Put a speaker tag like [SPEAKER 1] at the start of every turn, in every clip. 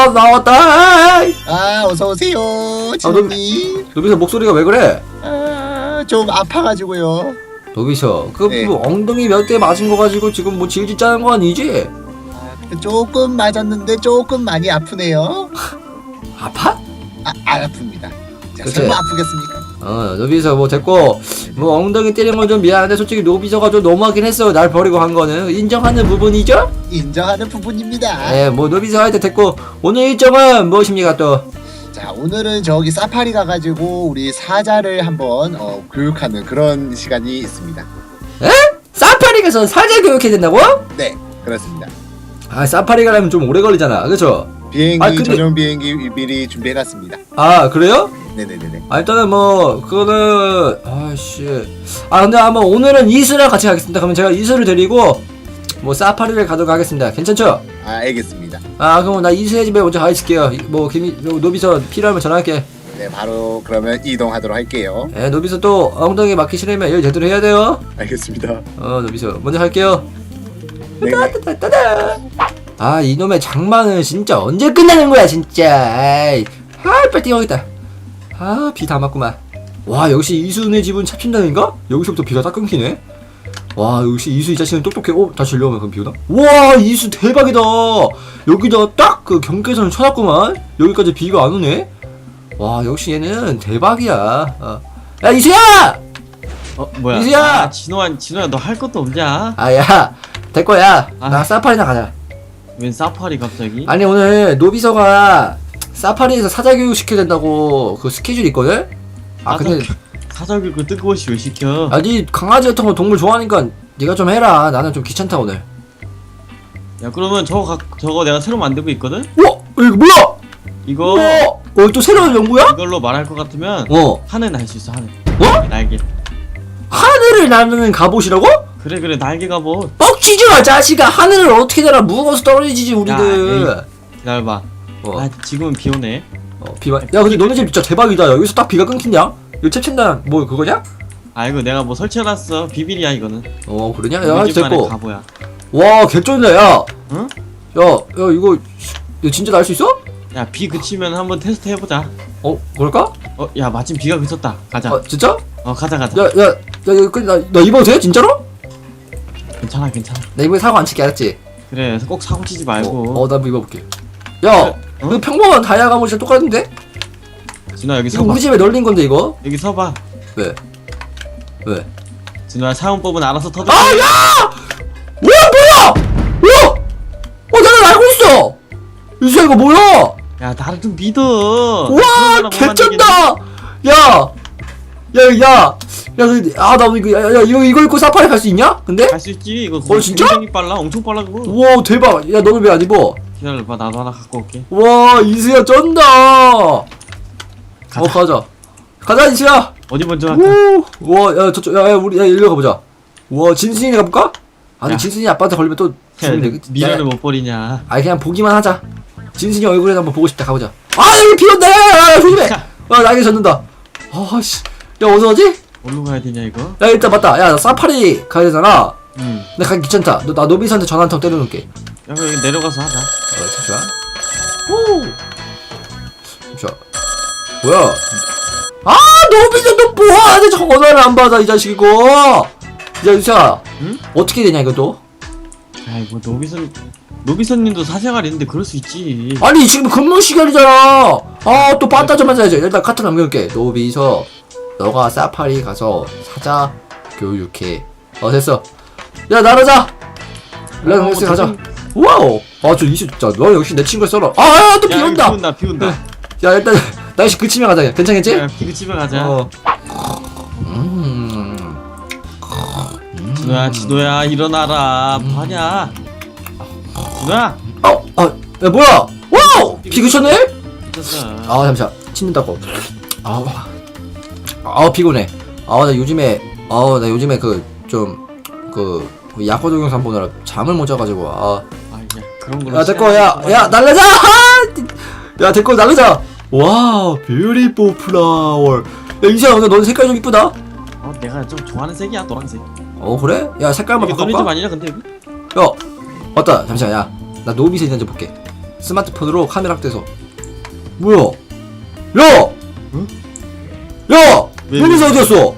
[SPEAKER 1] 나왔다.
[SPEAKER 2] 아 어서오세요 진우님.
[SPEAKER 1] 노비서 목소리가 왜 그래?
[SPEAKER 2] 좀 아파가지고요.
[SPEAKER 1] 노비서 그
[SPEAKER 2] 네.
[SPEAKER 1] 뭐 엉덩이 몇 대 맞은 거 가지고 지금 뭐 질질 짜는 거 아니지?
[SPEAKER 2] 조금 맞았는데 조금 많이 아프네요.
[SPEAKER 1] 아파?
[SPEAKER 2] 안 아픕니다. 자,
[SPEAKER 1] 그치?
[SPEAKER 2] 설마 아프겠습니까?
[SPEAKER 1] 노비서 뭐 됐고 뭐 엉덩이 때린 건 좀 미안한데 솔직히 노비서가 좀 너무하긴 했어. 날 버리고 간 거는 인정하는 부분이죠?
[SPEAKER 2] 인정하는 부분입니다.
[SPEAKER 1] 네, 뭐 노비서 할 때 됐고 오늘 일정은 무엇입니까 또?
[SPEAKER 2] 자 오늘은 저기 사파리 가가지고 우리 사자를 한번 교육하는 그런 시간이 있습니다.
[SPEAKER 1] 사파리 가서 사자 교육해야 된다고?
[SPEAKER 2] 네 그렇습니다.
[SPEAKER 1] 아 사파리 가려면 좀 오래 걸리잖아, 그쵸?
[SPEAKER 2] 비행기
[SPEAKER 1] 근데-
[SPEAKER 2] 전용 비행기 미리 준비해놨습니다.
[SPEAKER 1] 아 그래요?
[SPEAKER 2] 네네네네.
[SPEAKER 1] 일단은 뭐 그거는 근데 한번 오늘은 이수랑 같이 가겠습니다. 그러면 제가 이수를 데리고 뭐 사파리를 가도록 하겠습니다. 괜찮죠?
[SPEAKER 2] 알겠습니다.
[SPEAKER 1] 그럼 나 이수의 집에 먼저 가 있을게요. 뭐 노비서 필요하면 전화할게.
[SPEAKER 2] 네 바로 그러면 이동하도록 할게요.
[SPEAKER 1] 노비서 또 엉덩이 맞기 싫으면 일 제대로 해야 돼요.
[SPEAKER 2] 알겠습니다.
[SPEAKER 1] 노비서 먼저 갈게요.
[SPEAKER 2] 네.
[SPEAKER 1] 이놈의 장마는 진짜 언제 끝나는 거야 진짜. 빨리 뛰어가겠다. 비 다 맞구만. 와 역시 이수네 집은 찹친다인가? 여기서부터 비가 딱 끊기네. 와 역시 이수 이 자식은 똑똑해. 다시 일려오면 그럼 비 오나? 와 이수 대박이다. 여기다 딱 그 경계선을 쳐놨구만. 여기까지 비가 안 오네. 와 역시 얘는 대박이야. 야 이수야!
[SPEAKER 3] 뭐야?
[SPEAKER 1] 이수야!
[SPEAKER 3] 진호야 너 할 것도 없냐?
[SPEAKER 1] 야 됐거야.
[SPEAKER 3] 아.
[SPEAKER 1] 나 사파리나 가자.
[SPEAKER 3] 웬 사파리 갑자기?
[SPEAKER 1] 아니 오늘 노비서가 사파리에서 사자 교육 시켜야 된다고 그 스케줄이 있거든? 근데
[SPEAKER 3] 사자교육을 뜬금없이 왜 시켜?
[SPEAKER 1] 니 강아지 같은 거 동물 좋아하니까 네가 좀 해라. 나는 좀 귀찮다 오늘.
[SPEAKER 3] 야 그러면 저거 내가 새로 만들고 있거든?
[SPEAKER 1] 이거 뭐야?
[SPEAKER 3] 이거
[SPEAKER 1] 또 새로운 연구야?
[SPEAKER 3] 이걸로 말할 것 같으면 하늘 날 수 있어 하늘. 날개.
[SPEAKER 1] 하늘을 나르는 갑옷이라고?
[SPEAKER 3] 그래 날개 갑옷.
[SPEAKER 1] 뻑치지 마 자식아. 하늘을 어떻게 날아. 무거워서 떨어지지 우리들.
[SPEAKER 3] 기다려봐. 지금은 비 오네.
[SPEAKER 1] 비만. 야 근데 너네 집 진짜 대박이다. 여기서 딱 비가 끊긴냐? 이거 챕친다 뭐 그거냐?
[SPEAKER 3] 이거 내가 뭐 설치해놨어. 비밀이야 이거는.
[SPEAKER 1] 그러냐? 야
[SPEAKER 3] 우리 집만의
[SPEAKER 1] 됐고.
[SPEAKER 3] 가보야.
[SPEAKER 1] 와 개쩐다 야.
[SPEAKER 3] 응?
[SPEAKER 1] 야 이거 진짜 날 수 있어?
[SPEAKER 3] 야 비 그치면 한번 테스트 해보자.
[SPEAKER 1] 그럴까?
[SPEAKER 3] 야 마침 비가 그쳤다. 가자.
[SPEAKER 1] 진짜?
[SPEAKER 3] 가자.
[SPEAKER 1] 야 나 입어도 돼? 진짜로?
[SPEAKER 3] 괜찮아.
[SPEAKER 1] 나 이번에 사고 안 칠게 알았지?
[SPEAKER 3] 그래 꼭 사고 치지 말고.
[SPEAKER 1] 나 한번 입어볼게. 야 그 평범한 다이아 갑옷이랑 똑같은데?
[SPEAKER 3] 진호야 여기
[SPEAKER 1] 이거
[SPEAKER 3] 서봐.
[SPEAKER 1] 우리 집에 널린 건데 이거?
[SPEAKER 3] 여기 서봐.
[SPEAKER 1] 왜?
[SPEAKER 3] 진호야 사용법은 알아서 터득.
[SPEAKER 1] 야! 뭐야! 나는 알고 있어! 이수야 이거 뭐야!
[SPEAKER 3] 야 나를 좀 믿어.
[SPEAKER 1] 와 개쩐다! 나 이거 입고 사파리 갈 수 있냐? 근데?
[SPEAKER 3] 갈수 있지. 이거
[SPEAKER 1] 진짜?
[SPEAKER 3] 굉장히 빨라. 엄청 빨라 그거.
[SPEAKER 1] 우와 대박. 야 너는 왜 안 입어?
[SPEAKER 3] 기다려봐 나도 하나 갖고 올게.
[SPEAKER 1] 와 이수야 쩐다. 가자 이수야.
[SPEAKER 3] 어디 먼저 할까?
[SPEAKER 1] 와 저쪽 우리 일로 가보자. 와 진순이네 가볼까? 아니
[SPEAKER 3] 야.
[SPEAKER 1] 진순이 아빠한테 걸리면 또 죽으면 되겠지.
[SPEAKER 3] 미련을 못 버리냐.
[SPEAKER 1] 그냥 보기만 하자. 진순이 얼굴에 한번 보고 싶다. 가보자. 여기 비 온다. 야 조심해. 날개 젖는다. 씨. 야 어디서 가지?
[SPEAKER 3] 어디로 가야 되냐 이거?
[SPEAKER 1] 야 일단 맞다. 야 나 사파리 가야 되잖아.
[SPEAKER 3] 응.
[SPEAKER 1] 나 가기 귀찮다. 나 노비스한테 전화 한 통 때려놓을게.
[SPEAKER 3] 야 여기 내려가서 하자.
[SPEAKER 1] 잠시만. 잠시만. 뭐야? 노비스 너 뭐하는데 전화를 안 받아 이 자식 이거. 야 유수야.
[SPEAKER 3] 응?
[SPEAKER 1] 어떻게 되냐 이거 또?
[SPEAKER 3] 아이고 노비선님도 사생활 있는데 그럴 수 있지.
[SPEAKER 1] 아니 지금 근무 시간이잖아. 또 빠따 좀 하자. 일단 카트 남겨놓을게. 노비서 너가 사파리 가서 사자 교육해. 됐어. 야 나가자. 렉스 가자. 와우. 저 이수 진짜 너 역시 내 친구를 썰어. 또 비 온다.
[SPEAKER 3] 비 온다.
[SPEAKER 1] 야 일단 날씨 그치면 가자. 괜찮겠지?
[SPEAKER 3] 야 비 그치면 가자. 진호야 일어나라. 뭐하냐? 진호야.
[SPEAKER 1] 야 뭐야? 와우! 비 그쳤네?
[SPEAKER 3] 미쳤어.
[SPEAKER 1] 잠시만. 침는다고. 피곤해. 나 요즘에 약과 동영상 보느라 잠을 못 자가지고.
[SPEAKER 3] 야 그런 걸로.
[SPEAKER 1] 됐고. 야 날라자. 야 됐고 날라자. 와 뷰티풀 플라워. 야 이수야 오늘 넌 색깔 좀 이쁘다.
[SPEAKER 3] 내가 좀 좋아하는 색이야 노란색.
[SPEAKER 1] 그래? 야 색깔만
[SPEAKER 3] 이게 너네 집
[SPEAKER 1] 바꿔봐.
[SPEAKER 3] 아니냐 근데 여기?
[SPEAKER 1] 야 맞다. 잠시만. 나 노비스 있는지 볼게. 스마트폰으로 카메라 확대해서. 뭐야? 야!
[SPEAKER 3] 응?
[SPEAKER 1] 야!
[SPEAKER 3] 왜,
[SPEAKER 1] 노비서
[SPEAKER 3] 왜?
[SPEAKER 1] 어디였어?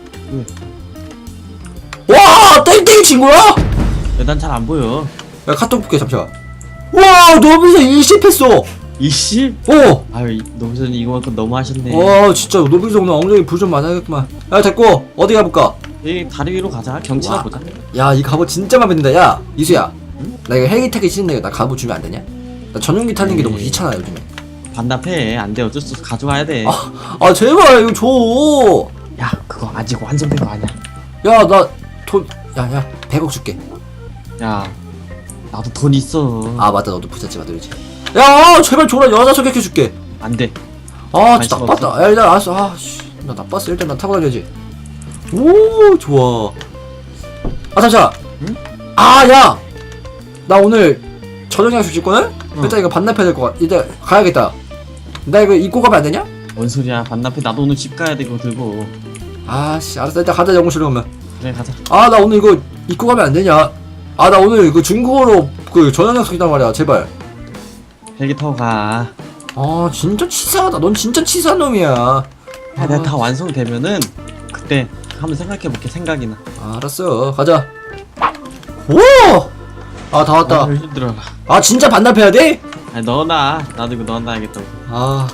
[SPEAKER 3] 왜?
[SPEAKER 1] 와! 땡땡이 친구야?
[SPEAKER 3] 난 잘 안 보여.
[SPEAKER 1] 야 카톡 볼게 잠시만. 와! 노비서 일십했어!
[SPEAKER 3] 이씨?
[SPEAKER 1] 어!
[SPEAKER 3] 아유 노비서님 이거만큼 너무 하셨네.
[SPEAKER 1] 와 진짜 노비서 오늘 엉덩이 불 좀 맞아야겠구만. 야 됐고 어디 가볼까?
[SPEAKER 3] 여기 다리 위로 가자. 경치나
[SPEAKER 1] 와.
[SPEAKER 3] 보자.
[SPEAKER 1] 야 이 갑옷 진짜 맘에 든다. 야 이수야 나 이거 헬기 타기 싫은데 나 갑옷 주면 안 되냐? 나 전용기 타는 게 너무 귀찮아 요즘에.
[SPEAKER 3] 반납해. 안 돼. 어쩔 수 없어. 가져와야 돼.
[SPEAKER 1] 아 제발 이거 줘.
[SPEAKER 3] 야 그거 아직 완성된 거 아니야.
[SPEAKER 1] 야 나 돈 야야 100억 줄게.
[SPEAKER 3] 야 나도 돈 있어.
[SPEAKER 1] 아 맞다 너도 부잣집 아들이지. 야 제발 줘라 여자 소개해 줄게.
[SPEAKER 3] 안 돼.
[SPEAKER 1] 아 진짜
[SPEAKER 3] 관심
[SPEAKER 1] 나빴다. 야 일단 알았어. 아씨 나 나빴어. 일단 나 타고 다녀야지. 오 좋아. 아 잠시만.
[SPEAKER 3] 응?
[SPEAKER 1] 아 야 나 오늘 저녁 약속 있거든? 일단 이거 반납해야 될 것 같아. 일단 가야겠다. 나 이거 입고 가면 안 되냐?
[SPEAKER 3] 뭔 소리야. 반납해. 나도 오늘 집 가야 돼. 이거 들고.
[SPEAKER 1] 아씨 알았어 일단 가자 영웅실로 가면.
[SPEAKER 3] 그래 가자.
[SPEAKER 1] 아 나 오늘 이거 입고 가면 안 되냐? 아 나 오늘 그 중국어로 그 저녁 약속 있단 말이야 제발.
[SPEAKER 3] 헬기 타고 가.
[SPEAKER 1] 아 진짜 치사하다. 넌 진짜 치사한 놈이야.
[SPEAKER 3] 야, 내가 다 완성되면은 그때 한번 생각해볼게. 생각이 나.
[SPEAKER 1] 알았어 가자. 오! 아 다 왔다.
[SPEAKER 3] 아, 힘들어라.
[SPEAKER 1] 아 진짜 반납해야 돼?
[SPEAKER 3] 아니 넣어놔. 나도 이거 넣어놔야겠다고.
[SPEAKER 1] 아.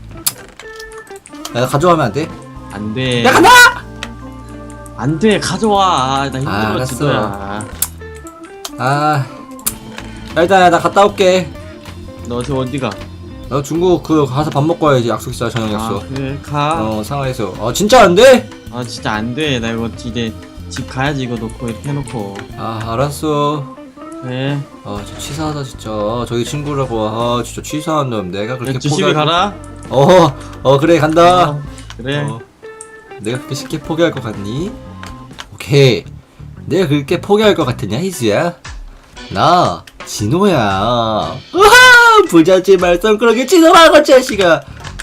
[SPEAKER 1] 야 가져가면 안 돼?
[SPEAKER 3] 안 돼.
[SPEAKER 1] 야 간다!
[SPEAKER 3] 안 돼. 가져와. 나 힘들어.
[SPEAKER 1] 알았어.
[SPEAKER 3] 진짜야.
[SPEAKER 1] 아. 야 일단 나 갔다 올게.
[SPEAKER 3] 너 저 어디가?
[SPEAKER 1] 나 중국 그 가서 밥 먹고 와야지. 약속 있어 저녁
[SPEAKER 3] 아
[SPEAKER 1] 약속.
[SPEAKER 3] 그래 가.
[SPEAKER 1] 상하이에서. 아 진짜 안 돼?
[SPEAKER 3] 아 진짜 안 돼. 나 이거 이제 집 가야지. 이거 놓고 이렇게 해놓고.
[SPEAKER 1] 아 알았어.
[SPEAKER 3] 그래.
[SPEAKER 1] 아 진짜 치사하다 진짜. 저기 친구라고. 아 진짜 치사한 놈. 내가 그렇게
[SPEAKER 3] 그래 조심히 가라.
[SPEAKER 1] 그래 간다.
[SPEAKER 3] 그래.
[SPEAKER 1] 내가 그렇게 쉽게 포기할 것 같니? 오케이. 내가 그렇게 포기할 것 같으냐 희수야? 나 진호야. 으하! 부잣집 말썽 그러게 진호라고 자식아.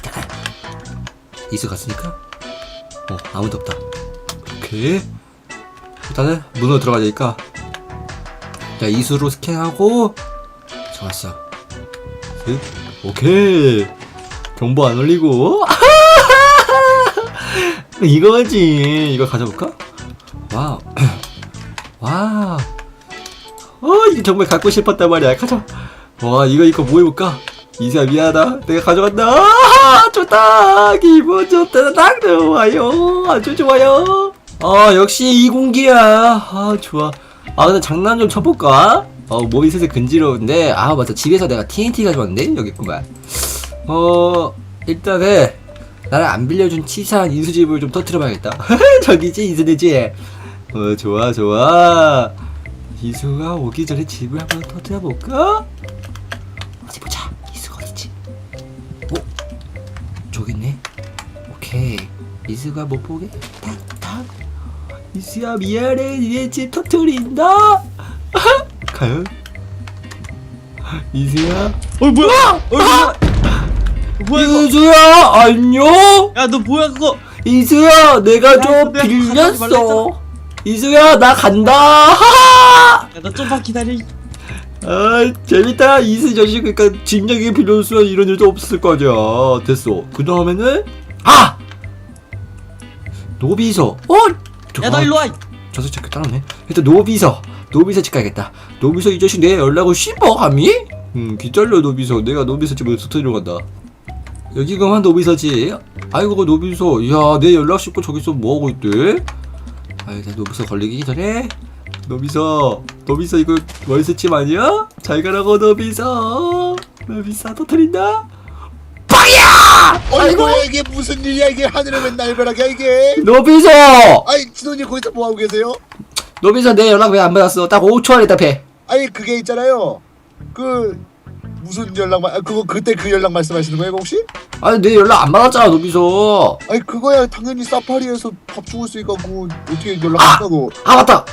[SPEAKER 1] 이수 갔으니까? 아무도 없다. 오케이. 일단은 문으로 들어가야 되니까. 자 이수로 스캔하고. 좋았어. 오케이. 정보 안 올리고. 이거지. 이거 가져볼까? 와우. 와우. 이게 정말 갖고 싶었단 말이야. 가자. 와, 이거 뭐 해볼까? 이수야, 미안하다. 내가 가져간다. 좋다. 기분 좋다. 딱 좋아요. 아주 좋아요. 역시 이 공기야. 좋아. 근데 장난 좀 쳐볼까? 몸이 슬슬 근지러운데. 맞아. 집에서 내가 TNT 가져왔는데? 여기 있구만. 일단은 나를 안 빌려준 치사한 인수집을 좀 터뜨려봐야겠다. 저기지 인수네지. 좋아. 이수가 오기 전에 집을 한번 터뜨려볼까? 어디 보자. 이수가 어디지? 저기 있네. 오케이. 이수가 못 보게 탁탁. 이수야 미안해. 니네 집 터뜨린다. 과연? 이수야?
[SPEAKER 3] 뭐야? 뭐야 이거?
[SPEAKER 1] 이수야 안녕?
[SPEAKER 3] 야 너 뭐야 그거?
[SPEAKER 1] 이수야 내가
[SPEAKER 3] 야,
[SPEAKER 1] 좀
[SPEAKER 3] 내가 가져가지 말라
[SPEAKER 1] 빌렸어. 이수야 나 간다. 하하!
[SPEAKER 3] 야 너 좀만 기다려.
[SPEAKER 1] 재밌다. 이수 자식. 그러니까 진작에 빌려줬으면 이런 일도 없었을 거 아니야. 됐어. 그 다음에는 노비서.
[SPEAKER 3] 야 너 일로 와.
[SPEAKER 1] 저 새끼 따라오네. 일단 노비서 집 가야겠다. 노비서 이 자식 내 연락을 씹어 감히? 기다려 노비서. 내가 노비서 집에 터뜨리러 간다. 여기가만 노비서지. 아이고 노비서. 야 내 연락 씹고 저기서 뭐하고 있대? 일단 노비서 걸리기 전에. 노비서 이거 월세집 아니야? 잘 가라고 노비서 터뜨린다. 빵이야!
[SPEAKER 2] 아이고 이게 무슨 일이야 이게 하늘에 웬 날벼락이야 이게.
[SPEAKER 1] 노비서
[SPEAKER 2] 아니 진호님 거기서 뭐 하고 계세요?
[SPEAKER 1] 노비서 내 연락 왜 안 받았어? 딱 5초 안에 답해.
[SPEAKER 2] 아니 그게 있잖아요. 그 무슨 그거 그때 그 연락 말씀하시는 거예요 혹시?
[SPEAKER 1] 아니 내 연락 안 받았잖아 노비서.
[SPEAKER 2] 아니 그거야 당연히 사파리에서 밥 주고 있으니까 그거 어떻게 연락했다고?
[SPEAKER 1] 맞다.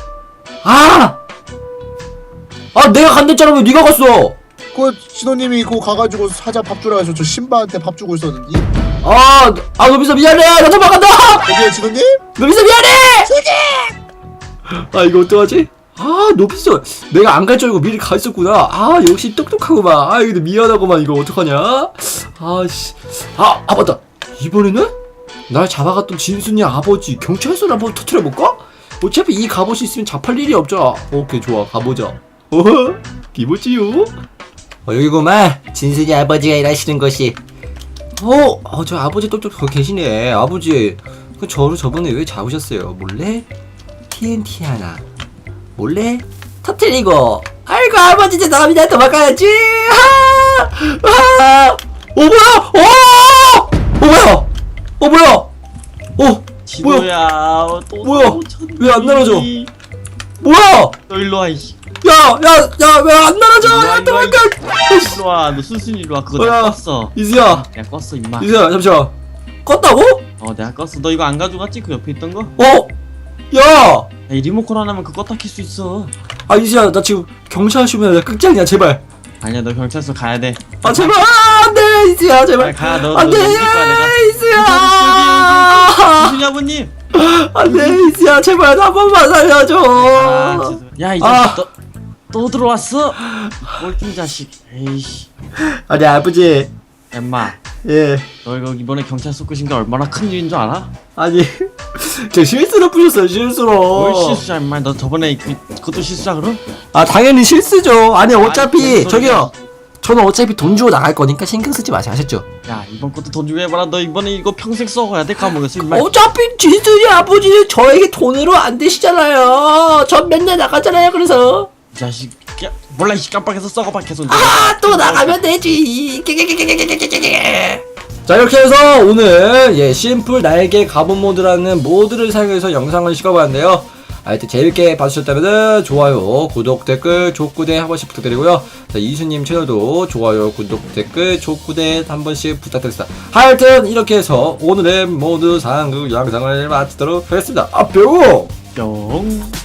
[SPEAKER 1] 내가 간댔잖아. 왜 네가 갔어?
[SPEAKER 2] 그 진호님이 그거 가가지고 사자 밥 주라 해서 저 신바한테 밥 주고 있었는데.
[SPEAKER 1] 노비서 미안해. 나 도망간다.
[SPEAKER 2] 여기에 진호님?
[SPEAKER 1] 노비서 미안해. 이거 어떡하지? 아 노비스 내가 안 갈 줄 알고 미리 가 있었구나. 아 역시 똑똑하구만. 아 근데 미안하구만. 이거 어떡하냐. 아씨 아 맞다. 이번에는 날 잡아갔던 진순이 아버지 경찰서를 한번 터트려볼까? 어차피 이 갑옷이 있으면 잡할 일이 없잖아. 오케이 좋아 가보자. 어허 기모찌요. 여기구만 진순이 아버지가 일하시는 곳이. 저 아버지 똑똑 거기 계시네. 아버지 그 저를 저번에 왜 잡으셨어요? 몰래 TNT 하나 몰래 터뜨리고. 아이고 아버지 이제 나갑니다. 도망가야지. 뭐야
[SPEAKER 3] 진호야 또
[SPEAKER 1] 뭐야?
[SPEAKER 3] 쳤니?
[SPEAKER 1] 왜 안 날아져? 뭐야?
[SPEAKER 3] 너 일로 와 이씨.
[SPEAKER 1] 야 왜 안 날아져? 야 도망가.
[SPEAKER 3] 일로 와. 너 순순히 일로 와. 그거
[SPEAKER 1] 야.
[SPEAKER 3] 내가 껐어.
[SPEAKER 1] 이수야
[SPEAKER 3] 내가 껐어 임마.
[SPEAKER 1] 잠시만 껐다고?
[SPEAKER 3] 내가 껐어. 너 이거 안 가져갔지? 그 옆에 있던 거?
[SPEAKER 1] 야!
[SPEAKER 3] 야, 이 리모컨 하나면 그거 껐다 킬 수 있어.
[SPEAKER 1] 아 이수야 나 지금 경찰 쉬면 나 끝장이야 제발.
[SPEAKER 3] 아니야 너 경찰서 가야 돼.
[SPEAKER 1] 아 제발 안돼 이수야 제발.
[SPEAKER 3] 빨리 가. 너
[SPEAKER 1] 안돼
[SPEAKER 3] 넘길 거야 내가.
[SPEAKER 1] 이수야.
[SPEAKER 3] 이순이 아버님.
[SPEAKER 1] 안돼 이수야 제발 나 한 번만 살려줘.
[SPEAKER 3] 야 이제 또 들어왔어? 꼴등 자식. 에이씨.
[SPEAKER 1] 아니 아버지.
[SPEAKER 3] 엠마.
[SPEAKER 1] 예.
[SPEAKER 3] 너 이거 이번에 경찰서 끄신 게 얼마나 큰 일인 줄 알아?
[SPEAKER 1] 아니 저 실수로 부셨어요 실수로.
[SPEAKER 3] 뭘 실수야 임마. 너 저번에 그것도 실수야 그럼?
[SPEAKER 1] 아 당연히 실수죠. 아니 어차피
[SPEAKER 3] 무슨 소리야.
[SPEAKER 1] 저기요 저는 어차피 돈 주고 나갈 거니까 신경 쓰지 마세요 아셨죠?
[SPEAKER 3] 야 이번 것도 돈 주고 해봐라. 너 이번에 이거 평생 써가야 돼. 까먹었어 임마.
[SPEAKER 1] 어차피 진순이 아버지는 저에게 돈으로 안 되시잖아요. 전 맨날 나가잖아요. 그래서
[SPEAKER 3] 이 자식. 야 몰라 이씨 깜빡해서 썩어봐 계속.
[SPEAKER 1] 또 나가면 되지. 자 이렇게 해서 오늘 심플 날개 갑옷 모드라는 모드를 사용해서 영상을 찍어봤는데요. 하여튼 재밌게 봐주셨다면 좋아요, 구독, 댓글, 족구대 한 번씩 부탁드리고요. 자 이수님 채널도 좋아요, 구독, 댓글, 족구대 한 번씩 부탁드립니다. 하여튼 이렇게 해서 오늘의 모드 상극 영상을 마치도록 하겠습니다. 뿅!
[SPEAKER 3] 뿅.